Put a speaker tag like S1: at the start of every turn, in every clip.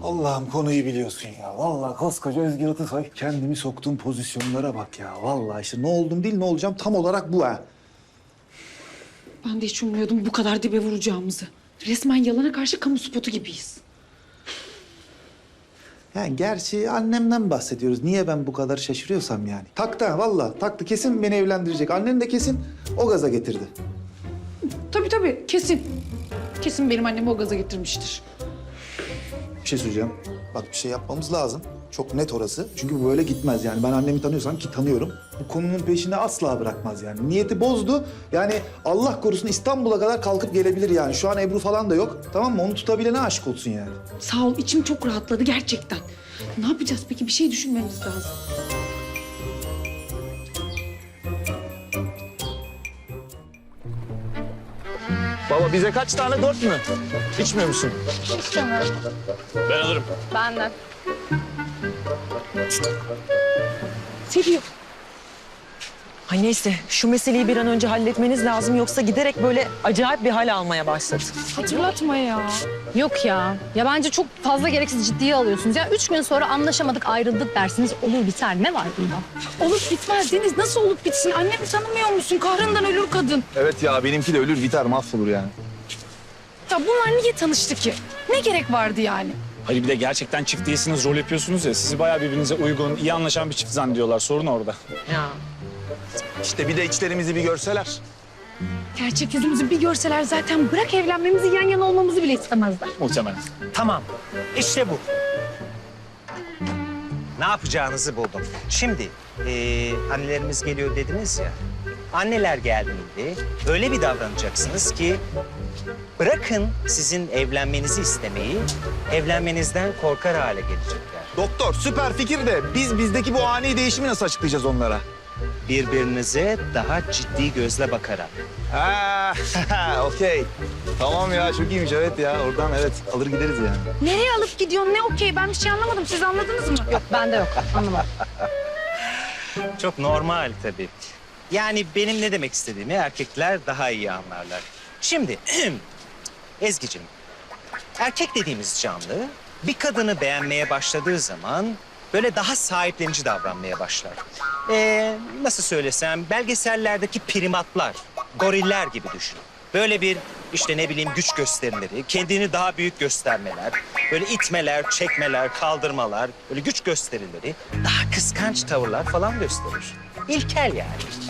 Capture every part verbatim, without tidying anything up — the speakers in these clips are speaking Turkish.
S1: Allah'ım konuyu biliyorsun ya. Vallahi koskoca Özgür Atasoy. Kendimi soktuğum pozisyonlara bak ya. Vallahi işte ne oldum değil ne olacağım tam olarak bu ha.
S2: Ben de hiç ummuyordum bu kadar dibe vuracağımızı. Resmen yalana karşı kamu spotu gibiyiz.
S1: Yani gerçi annemden bahsediyoruz. Niye ben bu kadar şaşırıyorsam yani. Taktı ha vallahi taktı. Kesin beni evlendirecek. Annen de kesin o gaza getirdi.
S2: Tabii tabii kesin. Kesin benim annemi o gaza getirmiştir.
S1: Bir şey söyleyeceğim. Bak bir şey yapmamız lazım. Çok net orası. Çünkü bu böyle gitmez yani. Ben annemi tanıyorsam ki tanıyorum. Bu konunun peşini asla bırakmaz yani. Niyeti bozdu. Yani Allah korusun İstanbul'a kadar kalkıp gelebilir yani. Şu an Ebru falan da yok. Tamam mı? Onu tutabilene aşık olsun yani.
S2: Sağ ol içim çok rahatladı gerçekten. Ne yapacağız peki? Bir şey düşünmemiz lazım.
S3: Baba bize kaç tane? Dört mü? İçmiyor musun?
S4: İstemem.
S3: Ben alırım.
S4: Benden.
S2: Seviyor.
S5: Ay neyse şu meseleyi bir an önce halletmeniz lazım yoksa giderek böyle acayip bir hal almaya başladı.
S4: Hatırlatma ya. Yok ya. Ya bence çok fazla gereksiz ciddiye alıyorsunuz. Ya üç gün sonra anlaşamadık, ayrıldık dersiniz. Olur biter. Ne var bunda?
S2: Olup bitmez Deniz. Nasıl olup bitsin? Annemi tanımıyor musun? Kahrından ölür kadın.
S3: Evet ya benimki de ölür biter mahvolur yani.
S2: Ya bunlar niye tanıştı ki? Ne gerek vardı yani?
S6: Hayır bir de gerçekten çift değilsiniz, rol yapıyorsunuz ya. Sizi bayağı birbirinize uygun, iyi anlaşan bir çift zannediyorlar. Sorun orada.
S5: Ya.
S3: İşte bir de içlerimizi bir görseler.
S2: Gerçek yüzümüzü bir görseler zaten bırak evlenmemizi yan yana olmamızı bile istemezler.
S6: Muhtemelen.
S7: Tamam. İşte bu. Ne yapacağınızı buldum. Şimdi eee, annelerimiz geliyor dediniz ya. Anneler geldiğinde öyle bir davranacaksınız ki bırakın sizin evlenmenizi istemeyi, evlenmenizden korkar hale gelecekler.
S3: Doktor süper fikir de biz bizdeki bu ani değişimi nasıl açıklayacağız onlara?
S7: Birbirinize daha ciddi gözle bakarak.
S3: Ha, okey. Tamam ya çok iyiymiş evet ya. Oradan evet alır gideriz yani.
S2: Nereye alıp gidiyorsun? Ne okey? Ben bir şey anlamadım. Siz anladınız mı?
S4: Yok bende yok. Anlamadım.
S7: Çok normal tabii. Yani benim ne demek istediğimi erkekler daha iyi anlarlar. Şimdi Ezgi'cim, erkek dediğimiz canlı bir kadını beğenmeye başladığı zaman böyle daha sahiplenici davranmaya başlar. Ee, nasıl söylesem belgesellerdeki primatlar, goriller gibi düşün. Böyle bir işte ne bileyim güç gösterileri, kendini daha büyük göstermeler, böyle itmeler, çekmeler, kaldırmalar, böyle güç gösterileri, daha kıskanç tavırlar falan gösterir. İlkel yani.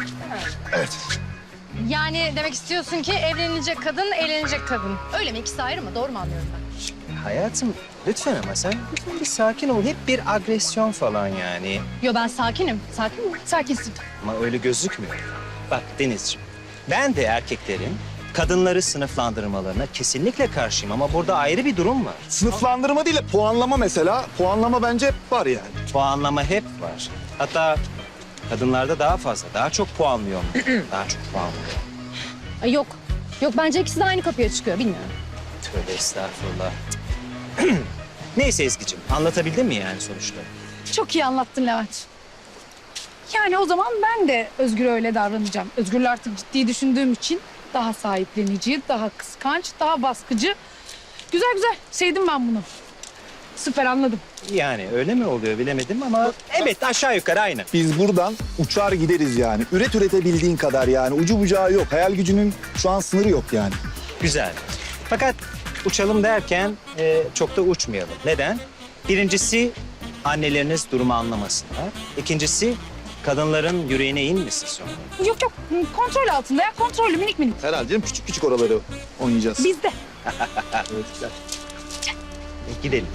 S4: Yani demek istiyorsun ki evlenilecek kadın, eğlenecek kadın. Öyle mi? İkisi ayrı mı? Doğru mu anlıyorum ben?
S7: Hayatım lütfen ama sen lütfen bir sakin ol. Hep bir agresyon falan yani.
S4: Yo ben sakinim. Sakin mi?
S2: Sakinsin.
S7: Ama öyle gözükmüyor. Bak Denizciğim, ben de erkeklerin kadınları sınıflandırmalarına kesinlikle karşıyım ama burada ayrı bir durum var.
S3: Sınıflandırma değil de puanlama mesela. Puanlama bence hep var yani.
S7: Puanlama hep var. Hatta kadınlarda daha fazla, daha çok puanlıyor mu? Daha çok puanlıyor.
S4: Ay yok. Yok bence ikisi de aynı kapıya çıkıyor. Bilmiyorum.
S7: Tövbe estağfurullah. Neyse Ezgi'cim, anlatabildim mi yani sonuçta?
S2: Çok iyi anlattın Levent. Yani o zaman ben de Özgür'e öyle davranacağım. Özgür'le artık ciddi düşündüğüm için daha sahiplenici, daha kıskanç, daha baskıcı. Güzel güzel. Sevdim ben bunu. Süper anladım.
S7: Yani öyle mi oluyor bilemedim ama evet aşağı yukarı aynı.
S3: Biz buradan uçar gideriz yani. Üret üretebildiğin kadar yani. Ucu bucağı yok. Hayal gücünün şu an sınırı yok yani.
S7: Güzel. Fakat uçalım derken e, çok da uçmayalım. Neden? Birincisi anneleriniz durumu anlamasınlar. İkincisi kadınların yüreğine inmesin sonra.
S2: Yok yok kontrol altında ya kontrollü minik minik.
S3: Herhalde canım küçük küçük oraları oynayacağız.
S2: Bizde.
S3: Evet, güzel.
S7: E, gidelim.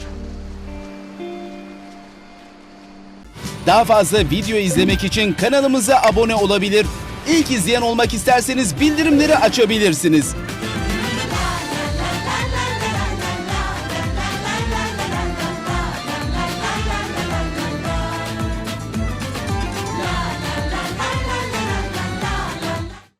S8: Daha fazla video izlemek için kanalımıza abone olabilir. İlk izleyen olmak isterseniz bildirimleri açabilirsiniz.